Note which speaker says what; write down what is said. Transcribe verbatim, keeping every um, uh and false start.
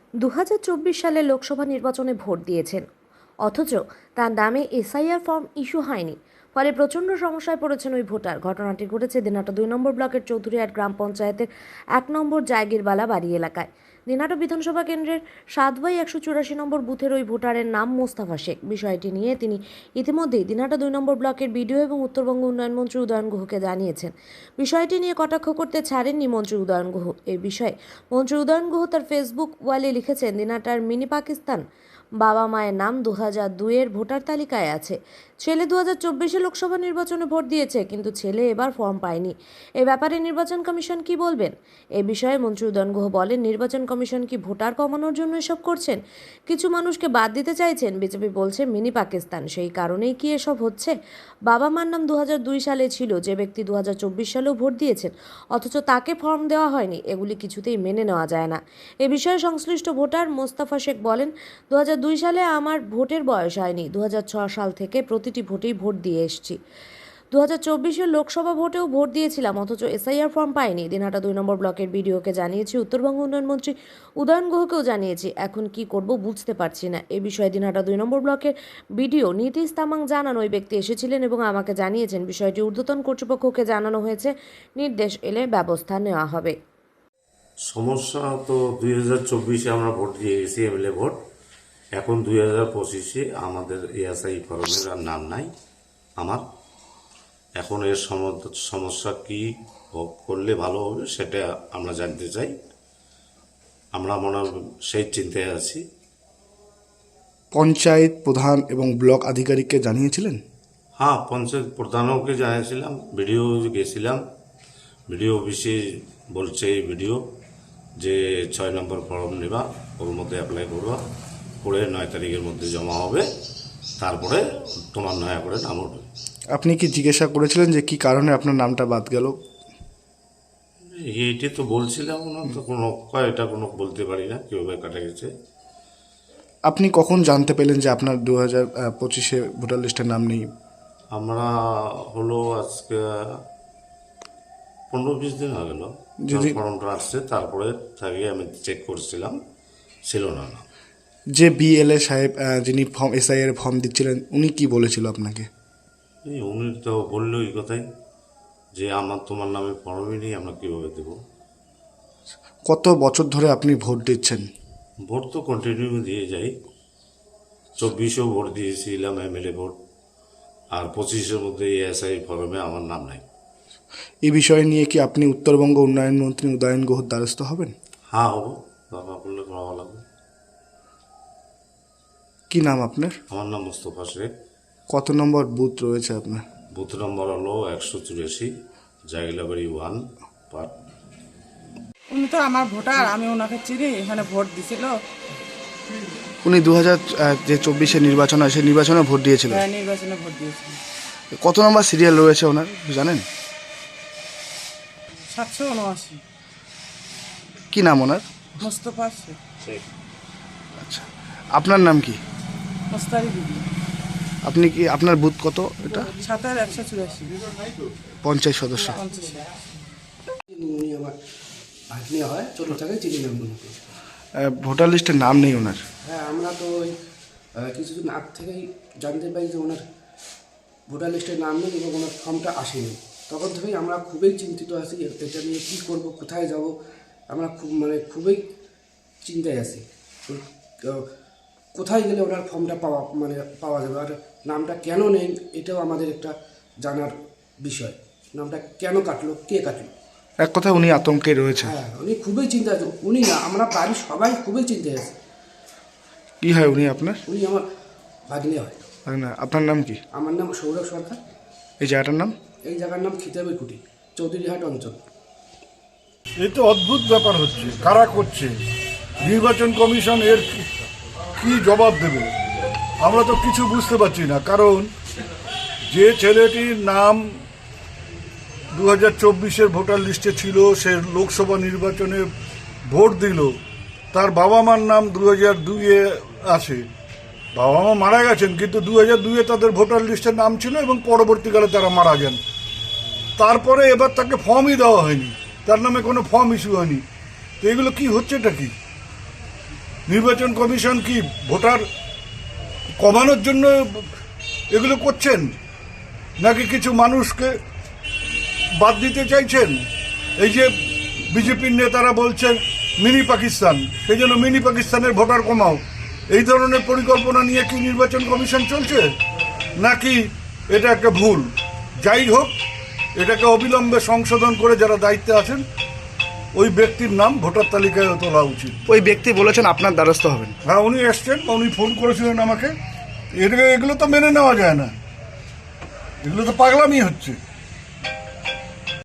Speaker 1: দু হাজার চব্বিশ সালে লোকসভা নির্বাচনে ভোট দিয়েছেন, অথচ তার নামে এসআইআর ফর্ম ইস্যু হয়নি। ফলে প্রচণ্ড সমস্যায় পড়েছেন ওই ভোটার। ঘটনাটি ঘটেছে দিনাটা দুই নম্বর ব্লকের চৌধুরীহাট গ্রাম পঞ্চায়েতের এক নম্বর জায়গিরবালা বাড়ি এলাকায়। দিনাটা বিধানসভা কেন্দ্রের সাত বাই একশো চুরাশি নম্বর বুথের ওই ভোটারের নাম মোস্তাফা শেখ। বিষয়টি নিয়ে তিনি ইতিমধ্যেই দিনাটা দুই নম্বর ব্লকের বিডিও এবং উত্তরবঙ্গ উন্নয়ন মন্ত্রী উদয়ন গুহকে জানিয়েছেন। বিষয়টি নিয়ে কটাক্ষ করতে ছাড়েননি মন্ত্রী উদয়ন গুহ। এই বিষয়ে মন্ত্রী উদয়ন গুহ তার ফেসবুক ওয়ালে লিখেছেন, দিনাটার মিনি পাকিস্তান। বাবা মায়ের নাম দু হাজার দুইয়ের ভোটার তালিকায় আছে। ছেলে দু হাজার চব্বিশে লোকসভা নির্বাচনে ভোট দিয়েছে, কিন্তু ছেলে এবার ফর্ম পায়নি। এ ব্যাপারে নির্বাচন কমিশন কি বলবেন? এ বিষয়ে মন্ত্রী উদয়ন গুহ বলেন, নির্বাচন কমিশন কি ভোটার কমানোর জন্য এসব করছেন? কিছু মানুষকে বাদ দিতে চাইছেন। বিজেপি বলছে মিনি পাকিস্তান, সেই কারণেই কি এসব হচ্ছে? বাবা মার নাম দু হাজার দুই সালে ছিল, যে ব্যক্তি দু হাজার চব্বিশ সালেও ভোট দিয়েছেন, অথচ তাকে ফর্ম দেওয়া হয়নি। এগুলি কিছুতেই মেনে নেওয়া যায় না। এ বিষয়ে সংশ্লিষ্ট ভোটার মোস্তাফা শেখ বলেন, দু হাজার দুই সালে আমার ভোটের বয়স হয়নি। দু হাজার ছয় সাল থেকে প্রতিটি ভোটেই ভোট দিয়ে এসেছি। দু হাজার চব্বিশের লোকসভা ভোটেও ভোট দিয়েছিলাম, অথচ এসআইআর ফর্ম পাইনি। দিনহাটা দুই নম্বর ব্লকের বিডিওকে জানিয়েছি, উত্তরবঙ্গ উন্নয়ন মন্ত্রী উদয়ন গুহকেও জানিয়েছি। এখন কি করব বুঝতে পারছি না। এ বিষয়ে দিনহাটা দুই নম্বর ব্লকের বিডিও নীতিশ তামাং জানান, ওই ব্যক্তি এসেছিলেন এবং আমাকে জানিয়েছেন। বিষয়টি ঊর্ধ্বতন কর্তৃপক্ষকে জানানো হয়েছে। নির্দেশ এলে ব্যবস্থা নেওয়া হবে।
Speaker 2: সমস্যা তো দুই হাজার চব্বিশে আমরা ভোট দিয়ে গেছি, এমএলএ ভোট। এখন দুই হাজার পঁচিশে আমাদের এএসআই ফরমের আর নাম নাই আমার। এখন এর সমস্যা কি করলে ভালো হবে সেটা আমরা জানতে চাই। আমরা মনে সেই চিন্তায় আছি।
Speaker 3: পঞ্চায়েত প্রধান এবং ব্লক আধিকারিককে জানিয়েছিলেন?
Speaker 2: হ্যাঁ, পঞ্চায়েত প্রধানকে জানিয়েছিলাম, ভিডিও গেছিলাম। ভিডিও অফিসে বলছে এই ভিডিও যে ছয় নম্বর ফর্ম নেবা, ওর মধ্যে অ্যাপ্লাই করবা, করে নয় তারিখের মধ্যে জমা হবে, তারপরে তোমার নয়া করে নাম উঠবে।
Speaker 3: আপনি কি জিজ্ঞাসা করেছিলেন যে কি কারণে আপনার নামটা বাদ গেল?
Speaker 2: এইটি তো বলছিলাম না, তো কোনো এটা কোনো বলতে পারি না কীভাবে কাটা গেছে।
Speaker 3: আপনি কখন জানতে পেলেন যে আপনার দু হাজার পঁচিশে ভোটার লিস্টের নাম নেই?
Speaker 2: আমরা হলো আজকে পনেরো বিশ দিন হয়ে গেল
Speaker 3: যদি
Speaker 2: ফর্মটা আসছে, তারপরে থাকি আমি চেক করছিলাম, ছিল না না।
Speaker 3: যে বিএলএ সাহেব যিনি ফর্ম এসআইআর ফর্ম দিচ্ছিলেন, উনি কি বলেছিল আপনাকে?
Speaker 2: এই উনি তো বললো এই কথাই যে আমার তোমার নামে ফর্মই নেই, আমরা কীভাবে দেবো।
Speaker 3: কত বছর ধরে আপনি ভোট দিচ্ছেন?
Speaker 2: ভোট তো কন্টিনিউ দিয়ে যাই। চব্বিশেও ভোট দিয়েছিলাম এমএলএ ভোট, আর পঁচিশের মধ্যে এএসআই ফর্মে আমার নাম নাই।
Speaker 3: এই বিষয় নিয়ে কি আপনি উত্তরবঙ্গ উন্নয়ন মন্ত্রী উদয়ন গুহর দ্বারস্থ হবেন?
Speaker 2: হ্যাঁ, হবো, দরকার পড়লে ভালো লাগবে।
Speaker 3: কি নাম আপনার?
Speaker 2: আমার নাম মোস্তফা শেখ।
Speaker 3: কত নম্বর বুথ রয়েছে আপনার?
Speaker 2: বুথ নম্বর হলো একশো চুরাশি, জাগিলাবাড়ি ওয়ান পার্ট।
Speaker 4: উনি তো আমার ভোটার, আমি ওনাকে চিনি, এখানে ভোট দিছিল।
Speaker 3: উনি দু হাজার যে চব্বিশে নির্বাচন হয় সেই নির্বাচনে ভোট দিয়েছিলেন?
Speaker 4: হ্যাঁ, নির্বাচনে ভোট দিয়েছিল।
Speaker 3: কত নম্বর সিরিয়াল রয়েছে ওনার জানেন?
Speaker 4: সাতশো উনআশি।
Speaker 3: কি নাম ওনার?
Speaker 4: মোস্তফা শেখ।
Speaker 3: আচ্ছা, আপনার নাম কি?
Speaker 4: মোস্তারি দিদি।
Speaker 3: আপনি কি, আপনার বুথ কত এটা?
Speaker 4: সাতের একশো চুরাশি,
Speaker 3: পঞ্চায়েত সদস্য।
Speaker 4: পঞ্চাশ।
Speaker 5: উনি আমার ভাগ্নে হয়, ছোটো থেকে চিনি নাম ওনাকে।
Speaker 3: ভোটার লিস্টে নাম নেই ওনার?
Speaker 5: হ্যাঁ, আমরা তো ওই আহ, কিছুদিন আগ থেকেই জানতে পারি যে ওনার ভোটার লিস্টে নাম নেই এবং ওনার ফর্মটা আসেনি। তখন থেকেই আমরা খুবই চিন্তিত আছি, এটা নিয়ে কী করব, কোথায় যাব, আমরা খুব মানে খুবই চিন্তায় আছি। তো কোথায় গেলে ওনার ফর্মটা পাওয়া মানে পাওয়া যাবে, আর নামটা কেন নেই এটাও আমাদের একটা জানার বিষয়। নামটা কেন কাটলো, কে কাটলো?
Speaker 3: এক কথা উনি আতঙ্কে রয়েছে।
Speaker 5: হ্যাঁ, উনি খুবই চিন্তা আছে। উনি না, আমরা বাড়ির সবাই খুবই চিন্তায় আছে।
Speaker 3: কি হয় উনি আপনার?
Speaker 5: উনি আমার ভাগ্নে হয়।
Speaker 3: না, আপনার নাম কি?
Speaker 5: আমার নাম সৌরভ সরকার।
Speaker 3: এই জায়গাটার নাম?
Speaker 5: এই জায়গার নাম খিতাবের কুটি, চৌধুরীহাট অঞ্চল।
Speaker 6: এই তো অদ্ভুত ব্যাপার হচ্ছে, কারা করছে? নির্বাচন কমিশন এর কি জবাব দেবে? আমরা তো কিছু বুঝতে পারছি না। কারণ যে ছেলেটির নাম দু হাজার চব্বিশের ভোটার লিস্টে ছিল, সে লোকসভা নির্বাচনে ভোট দিল, তার বাবা মার নাম দু হাজার দুইয়ে আছে। বাবা মা মারা গেছেন, কিন্তু দু হাজার দুইয়ে তাদের ভোটার লিস্টের নাম ছিল এবং পরবর্তীকালে তারা মারা যান। তারপরে এবার তাকে ফর্মই দেওয়া হয়নি, তার নামে কোনো ফর্ম ইস্যু হয়নি। তো এগুলো কি হচ্ছেটা কি? নির্বাচন কমিশন কি ভোটার কমানোর জন্য এগুলো করছেন, নাকি কিছু মানুষকে বাদ দিতে চাইছেন? এই যে বিজেপির নেতারা বলছেন মিনি পাকিস্তান, সেই জন্য মিনি পাকিস্তানের ভোটার কমাও, এই ধরনের পরিকল্পনা নিয়ে কি নির্বাচন কমিশন চলছে, নাকি এটা একটা ভুল? যাই হোক, এটাকে অবিলম্বে সংশোধন করে যারা দায়িত্বে আছেন ওই ব্যক্তির নাম ভোটার তালিকায় তোলা উচিত।
Speaker 3: ওই ব্যক্তি বলেছেন আপনার দ্বারস্থ হবেন।
Speaker 6: হ্যাঁ, উনি এসছেন, উনি ফোন করেছিলেন আমাকে। এটা এগুলো তো মেনে নেওয়া যায় না, এগুলো তো পাগলামি হচ্ছে।